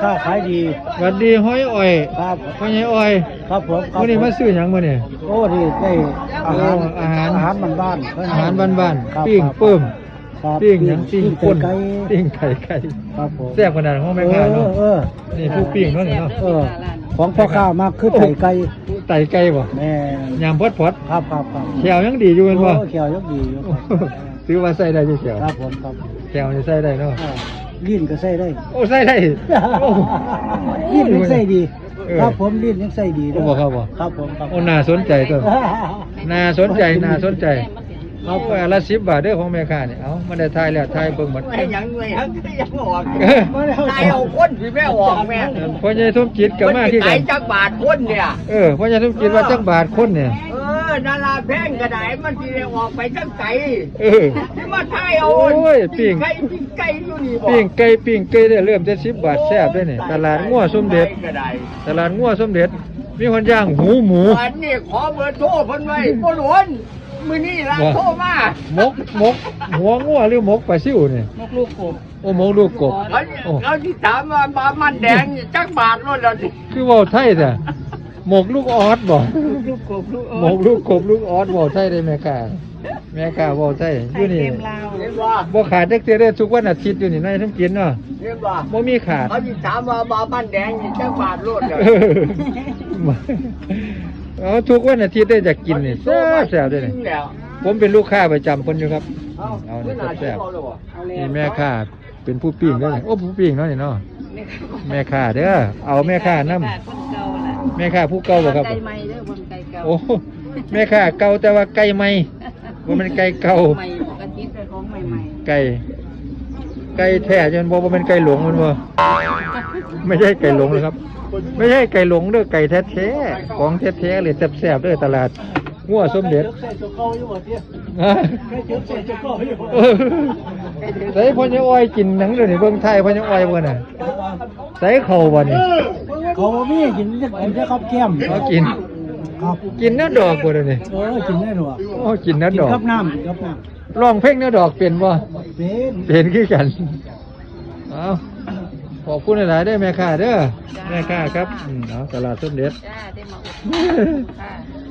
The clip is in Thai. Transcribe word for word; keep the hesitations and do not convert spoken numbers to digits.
ค้าขายดีสวัสดีห้อยอ้อยครับห้อยอ้อยครับผมครับมื้อนี้มาซื้อหยังมื้อนี้โอ้ดีได้อาหารโอ้อาหารอาหารบ้านๆอาหารบ้านครับๆปิ้งครับเปิ้มครับปิ้งหยังปิ้งปิ้ป่นไก่ปิ้งไก่ไก่ครับผมแซ่บขนาดของแม่ค้าเนาะเออนี่ผู้ปิ้งเนาะนี่เนาะเออของพ่อค้ามากคือไก่ไก่ไก่ไก่บ่แม่ยำพอดพอดครับครับครับแขวยังดีอยู่แม่นบ่โอ้เขียวยกดีอยู่ครับถือว่าใส่ได้อยู่แขวครับผมครับแขวนี่ใส่ได้เนาะอ่าลิ้นก็ใส่ได้โอ้ใส่ได้โอ้ลิ้นยังใส่ดีเออครับผมลิ้นยังใส่ดีโอ้บ่ครับบ่ครับผมครับโอ้น่าสนใจตัวน่าสนใจน่าสนใจเอาไปละสิบบาทเด้อของแม่ค้านี่เอามาได้ทายแล้วทายเบิ่งหมดไม่ยังไงฮะยังออกตายเอาคนที่แม่ออกแม่พ่อใหญ่สมจิตก็มาที่ไหนกันจักบาทคนเนี่ยเออพ่อใหญ่สมจิตว่าจักบาทคนเนี่ยเออนาราแพงกระไดมันที่ได้ออกไปจังไก่เออที่มาทายเอาโอ้ยปิ้งไก่ปิ้งไก่อยู่นี่บ่ปิ้งไก่ปิ้งไก่ได้เริ่มแต่สิบบาทแซ่บเด้อนี่ตลาดงัวสมเด็จกระไดตลาดงัวสมเด็จ มีคนย่างหูหมูอันนี้ขอเบอร์โทรเพิ่นไว้บ่หลวนมื้อนี้ล่ะโทรมามกมกหัวงัวหรือมกปลาซิวนี่มกลูกกบโอ้มกลูกกบเขาโอ้เขาที่ถามว่าบามันแดงนี่จักบาทโลดแล้วสิคือเว้าไทยแต่หมกลูกออสบ่ลูกกบลูกหมกลูกกบลูกออสเว้าไทยได้แม่ค้าแม่ค้าเว้าไทยอยู่นี่เห็นบ่บ่ขาดจักเทื่อเด้อทุกวันอาทิตย์อยู่นี่นายทั้งกินเนาะเห็นบ่บ่มีขาดเขาที่ถามว่าบามันแดงนี่จักบาทโลดแล้วเอาทุกวันอาทิตย์ได้จะกินนี่แซ่บแซ่บด้วยนี่แล้วผมเป็นลูกค้าประจำคนอยู่ครับเอาเอาไม่นี่น่าแซ่บเอาเลยว่ะๆนี่แม่ค้าเป็นผู้ปิ้งด้วยนี่โอ้ผู้ปิ้งเนาะนี่เนาะแม่ค้าเด้อเอาแม่ค้านำแม่ค้าผู้เก่าบ่ครับไก่ใหม่เด้อบ่ไก่เก่าโอ้แม่ค้าเก่าแต่ว่าไก่ใหม่บ่แม่นไก่เก่าใหม่ปกติเป็นของใหม่ไก่ไก่แท้จนบ่บ่แม่นไก่หลงมันบ่ไม่ใช่ไก่หลงนะครับ ไม่ใช่ไก่หลงเด้อไก่แท้ๆของแท้ๆเลยแซ่บๆเด้อตลาดงัวสมเด็จใส่ตัวเก่าอยู่บ่เตี้ยฮะใส่เจ็บใส่ตัวเก่าอยู่บ่เออใส่พ่อยังอ้อยกินหนังเดี๋ยวนี้เบิ่งไทยพ่อยังอ้อยบ่น่ะใส่เข้าบ่นี่เขาบ่มีกินจะกินได้ครับแก้มเขากินครับกินเนื้อดอกบ่เดี๋ยวนี้เออกินได้หรอโอ้กินเนื้อกินดอกกับน้ำกินกับน้ร้องเพลงเนื้อดอกเป็นบ่ำเป็นเป็นคือกันเอาขอบคุณหลายๆเด้อแม่ค้าเด้อแม่ค้าครับอืมเอาตลาดสมเด็จๆจ้าได้มาอุดหนุนค่ะ